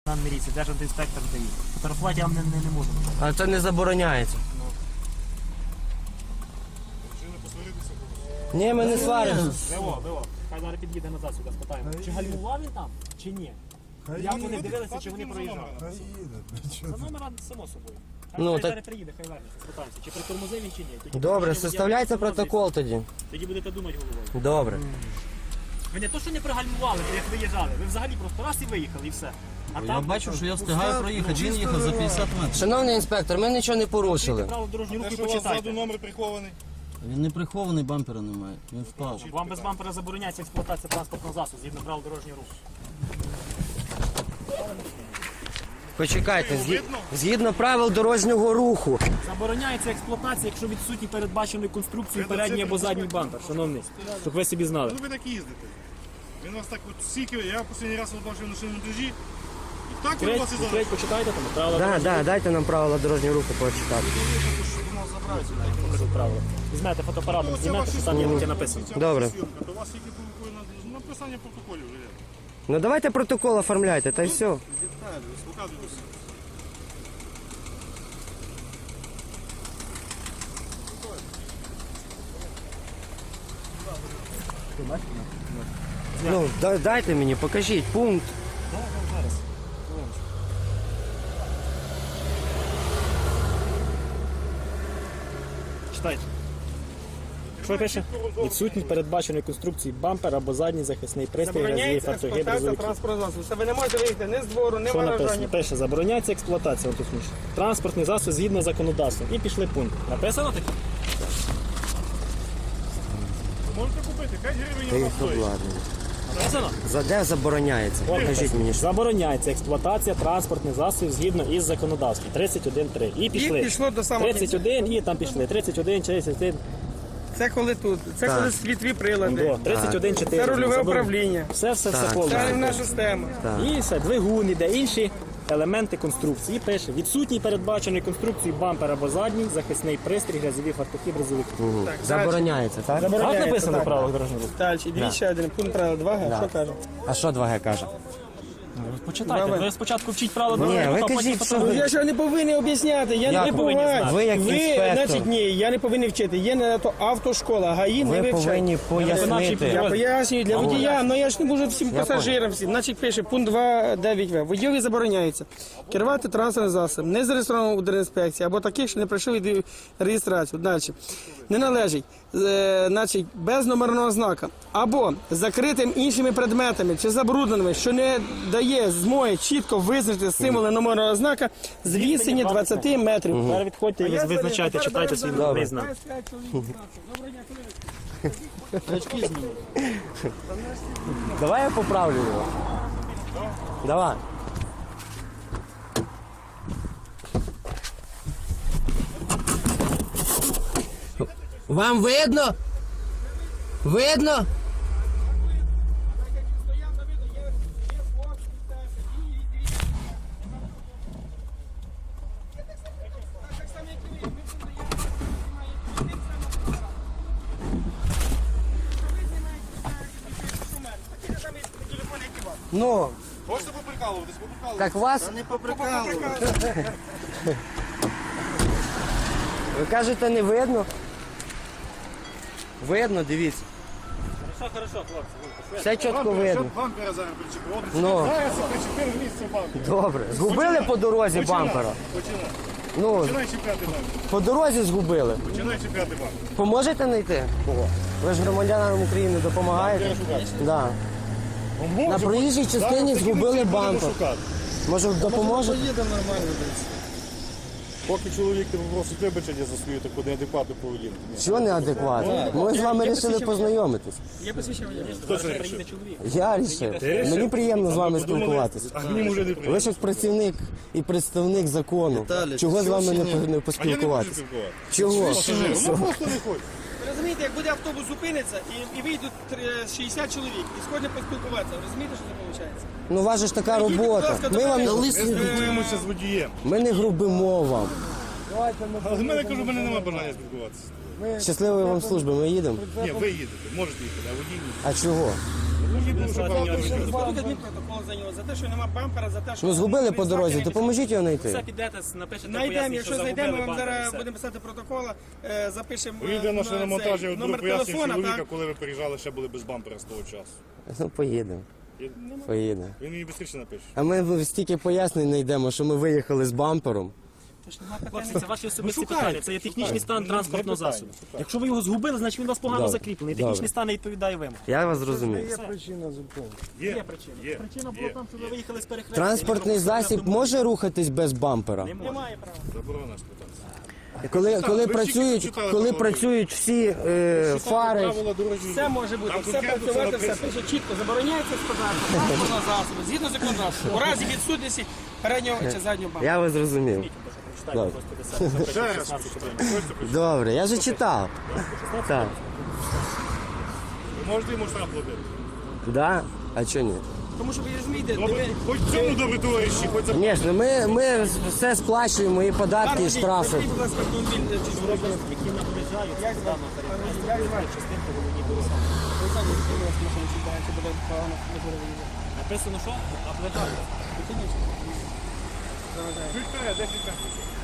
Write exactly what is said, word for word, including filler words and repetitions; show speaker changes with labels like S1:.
S1: Міліції, державтоінспектор дає. Фотографувати я вам не, не, не можу.
S2: А це не забороняється. Ні, ми не сваримося.
S1: Диво, диво. Хай зараз під'їде назад сюди, спитаємо. Чи гальмував він там, чи ні? Як вони дивилися, чи вони проїжджали? За номера, само собою. Хай
S2: Ну,
S1: ну,
S2: так-
S1: зараз приїде, хай вернеться, спитаємося, чи притормозив він, чи ні. Тоді
S2: Добре,
S1: буде
S2: составляйте
S1: водія
S2: протокол тоді.
S1: Тоді будете думати головою.
S2: Добре.
S1: Ви не то, що не пригальмували, ви як виїжджали. Ви взагалі просто раз і виїхали, і все. А
S3: Я
S1: там
S3: бачу, що я встигаю проїхати. Він їхав за п'ятдесят метрів.
S2: Шановний інспектор, ми нічого не порушили.
S1: право дорожнього руху і
S4: Те, що у вас ззаду
S1: почитайте.
S4: номер прихований.
S3: Він не прихований, бампера немає. Він впав.
S1: Вам без бампера забороняється експлуатація транспортного засобу згідно правил дорожнього руху.
S2: Почекайте, згі- згідно правил дорожнього руху.
S1: Забороняється експлуатація, якщо відсутній передбаченої конструкції передній або задній бампер, шановний, щоб ви собі знали.
S4: Ну ви так їздите. Він вас так от стільки, я останній раз от бачив на шиному монтажі. І так він
S1: Треть,
S4: вас і зараз.
S1: треть, почитайте там, правила
S2: Да,
S1: дорожнього
S2: да, дайте нам правила дорожнього руху почитати.
S1: руху, правила. Візьмете фотоапаратом,
S4: Ну, це
S1: знімете,
S4: ваші
S1: що там є
S4: слова.
S1: таке написано.
S4: Це
S2: Добре.
S4: ваша зйомка, то у вас тільки провокує на- на написання протоколів вже є.
S2: Ну давайте протокол оформляйте, та й все.
S4: Показуйте все.
S2: Ну, да- дайте мені, покажіть пункт.
S1: Читайте. Що пише? Відсутній передбаченої конструкції бампер або задній захисний пристрій разів
S5: Забороняється
S1: фартухи
S5: експлуатація
S1: бризовики.
S5: транспортного засобу. Це ви не можете виїхати ні з двору, ні
S1: Що написано?
S5: виражання.
S1: Пише, забороняється експлуатація, от точніше. Транспортний засіб згідно з законодавством. І пішли пункт. Написано таке?
S4: Можете купити, п'ять гривень
S2: Та
S4: у
S2: їх
S4: вас стоїть.
S2: обладнання.
S1: Написано?
S2: За де забороняється?
S1: От
S2: Покажіть
S1: написано.
S2: мені. що.
S1: Забороняється експлуатація транспортних засобів згідно із законодавством. тридцять один три. І пішли.
S5: І пішло до самого
S1: тридцять один і там пішли. тридцять один, тридцять один.
S5: Це коли тут, це
S2: Так.
S5: коли світлі прилади.
S1: До, тридцять один чотири.
S5: Це рульове управління.
S1: Все, все, все
S2: Так,
S5: Це
S1: повністю.
S5: рівна система.
S1: І все, двигун іде, інші елементи конструкції. І пише, відсутній передбаченої конструкції бампер або задній, захисний пристрій, грязові фартухи, бризовики.
S5: Так,
S2: Забороняється, так?
S1: Так написано в
S5: так.
S1: правилах дорожнього руху?
S5: Далі, дивіться ще один пункт правила два ге,
S2: Да.
S5: що каже?
S2: А що два ге каже?
S1: Почитайте,
S5: Давай.
S1: ви спочатку вчіть правила
S2: Ні,
S1: дорожнього
S2: ви
S1: руху, а потім
S2: кажіть, що
S5: Ну,
S1: фотографуйте.
S5: я ж не повинен об'ясняти, я
S2: Як
S5: не
S2: ви
S1: повинні
S5: повинен.
S1: знати?
S2: Ви як інспектор.
S5: Значить, ні, я не повинен вчити. Є на то автошкола, ГАІ не
S2: Ви
S5: вивчать.
S2: повинні
S5: Я
S2: пояснити.
S5: пояснюю для водія, але я ж не можу всім пасажирам всім. Значить, пише пункт два дев'ять ве. Водійові забороняється керувати транспортним засобом, не зареєстрованим у Держінспекції, або таких, що не пройшли від реєстрацію. Далі. Не належить, е, значить, без номерного знака, або закритим іншими предметами чи забрудненими, що не дає змоги чітко визначити символи номерного знака з відстані двадцять метрів.
S1: Тепер відходьте і визначайте, читайте свій номерний знак.
S2: Давай я поправлю його. Давай. Вам видно? Видно? Ну,
S4: Можете поприкалуватись, поприкалуватись.
S2: так вас,
S4: Не поприкалуватись.
S2: ви кажете, не видно? Видно, дивіться.
S1: Хорошо, хорошо, хлопці.
S2: Все чітко видно.
S4: Бампера зараз причепив.
S2: Ну.
S4: Зараз причепив місце бампера.
S2: Добре. Згубили по дорозі бампера?
S4: Починай.
S2: Ну,
S4: Починай чіпляти бампер.
S2: по дорозі згубили.
S4: Починай чіпляти бампер.
S2: Поможете знайти? Ви ж громадянам України допомагаєте? Да. На проїжджій частині згубили бампер. Може допоможете?
S4: Їдемо нормально десь. Поки чоловік тебе просить вибачення за свою таку неадекватну поведінку.
S2: Чого неадекватно? Ми з вами вирішили познайомитись.
S5: Я посвідчив.
S4: Хто це рішив?
S2: Я рішив. Мені приємно з вами спілкуватися.
S4: А мені вже не
S2: Ви
S4: приємно.
S2: ж як працівник і представник закону. Чого з вами не, не
S4: А я не можу
S2: поспілкуватися?
S4: спілкуватися.
S2: Чого?
S4: Ну просто не хочу.
S5: Розумієте, як буде автобус зупиниться і, і вийдуть три- шістдесят чоловік і сьогодні поспілкуватися. Розумієте, що це виходить?
S2: Ну, у вас же ж така робота. Ми вам
S4: Ми спілкуємося з водієм.
S2: ми не грубимо вам.
S4: Але в мене кажу, в мене немає бажання спілкуватися.
S2: Щасливої вам служби, ми їдемо.
S4: Ні, ви їдете, можете їхати, а водій ні.
S2: А чого?
S5: Складуть адмінпротокол за нього, за те, що нема бампера, за те, що...
S2: Ну згубили по дорозі, допоможіть його
S1: Все
S2: знайти.
S1: підете, напишете
S5: Знайдемо,
S1: пояснення,
S5: якщо
S1: що
S5: знайдемо,
S1: загубили
S5: вам
S1: бампер, і
S5: зараз
S1: все.
S5: будемо писати протокол, е, запишемо е,
S4: Вийде на
S5: цей
S4: шиномонтажі, от
S5: номер
S4: пояснює
S5: телефона,
S4: чоловіка,
S5: так?
S4: коли ви приїжджали, ще були без бампера з того часу.
S2: Ну поїдемо. Поїдемо.
S4: Він мені швидше напише.
S2: А ми стільки пояснень знайдемо, що ми виїхали з бампером.
S1: Хлопці, це ваші особисті
S5: Ну, шукаємо,
S1: питання, це є технічний стан
S4: Не-
S1: транспортного
S4: не питання,
S1: засобу.
S4: шукаємо.
S1: Якщо ви його згубили, значить він у вас погано
S2: Добре.
S1: закріплений.
S2: Добре.
S1: Технічний стан не відповідає вимогам.
S2: Я вас зрозумів.
S4: Є,
S1: Є причина.
S4: є,
S1: Причина була
S4: є.
S1: там, що ви виїхали з перехрестя.
S2: Транспортний засіб може рухатись без бампера?
S1: Не може.
S5: Немає права.
S4: Заборона спитатися.
S2: Коли, коли
S4: ви
S2: працюють,
S4: читали
S2: коли
S4: правила?
S2: працюють всі е, фари.
S4: Правила дорожнього
S5: Все може бути,
S4: Там
S5: все
S4: конкретно
S5: працювати, все
S4: написано.
S5: пише чітко. Забороняється складати транспортного засобу згідно законодавства. У разі відсутності переднього чи заднього бампера.
S2: Я вас зрозумів.
S1: Читайте просто десять,
S4: Ще раз.
S1: шістнадцять, чотирнадцять.
S4: Хочете прочитати?
S2: Добре, я вже читав. Так.
S4: Ви можете йому штраф платити?
S2: Да? А чого ні?
S5: Тому що ви розумієте,
S4: Добре,
S5: диви-
S4: хоч в цьому добре товариші, хоч за...
S2: Звісно, ми, ми все сплачуємо, і податки, і
S5: Пане
S2: штрафи.
S5: водій, будь ласка, автомобіль е, чи зробили.
S1: Які наближають, це здано
S5: Пане водій, як звати?
S1: частинку головні дороги.
S5: Ви знаєте, що у вас машина сідає, чи буде погано, не буде виїжджати.
S1: Написано, що? Облежають.
S5: Технічно.
S4: Чуть вперед, десять метрів.